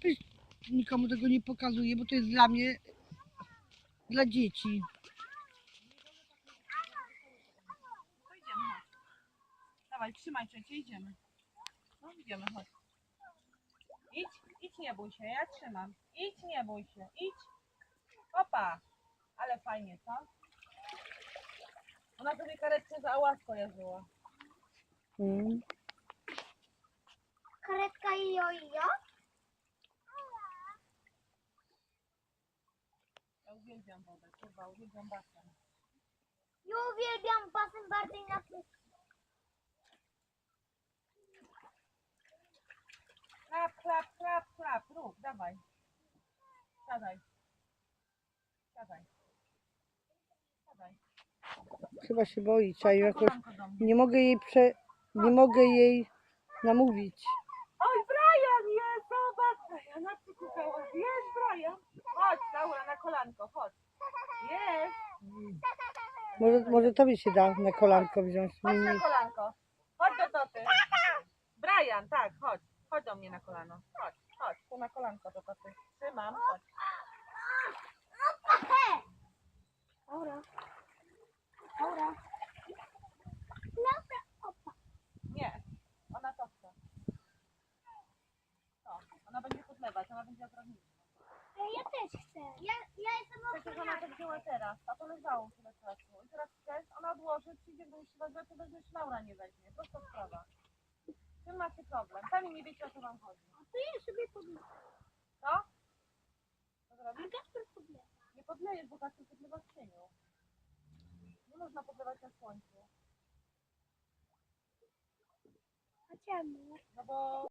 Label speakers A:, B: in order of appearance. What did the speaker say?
A: lepiej nikomu tego nie pokazuję, bo to jest dla mnie, dla dzieci.
B: To idziemy, chodź. Dawaj, trzymaj trzecie, idziemy. No idziemy, chodź. Idź, nie bój się, ja trzymam. Idź, nie bój się, idź. Opa, ale fajnie, co? Ona sobie karetkę za łasko jeździła.
C: Karetka i jojo?
B: Ja uwielbiam wodę, kurwa, uwielbiam basen.
C: Ja uwielbiam basen bardziej na wszystko.
B: Klap, klap, klap, klap, rób, dawaj. Siadaj. Siadaj. Siadaj.
A: Chyba się boi,
B: Chodź
A: czaju
B: na
A: jakoś.
B: kolanko do mnie.
A: Nie mogę jej namówić.
B: Oj, Brian jest, zobacz. Brian, przykukała. Jest Brian. Chodź, Laura, na kolanko, chodź. Jest.
A: Może tobie się da na kolanko wziąć.
B: Chodź na kolanko. Chodź do taty. Brian, tak, chodź. Chodź do mnie na kolano. Chodź, chodź, tu na kolanko do taty. Trzymam, chodź.
C: Laura. Laura. Laura, opa.
B: Nie, ona to chce. To, ona będzie podlewać, ona będzie odrażnić.
C: Ja też chcę. Ja jestem
B: Przecież ona to wzięła teraz, a to leżało tyle czasu. I teraz chcesz, ona odłoży, przyjdzie, gdy się weźmie, to weźmiesz, Laura nie weźmie. Prosta sprawa. Z czym macie problem? Sami nie wiecie, o co wam chodzi.
C: To ja sobie podlewam.
B: Co? Co zrobisz?
C: Kasper podlewa.
B: Nie podlejesz, bo Kasiu podlewa w cieniu. Nie można podlewać na słońcu.
C: A czemu?
B: No bo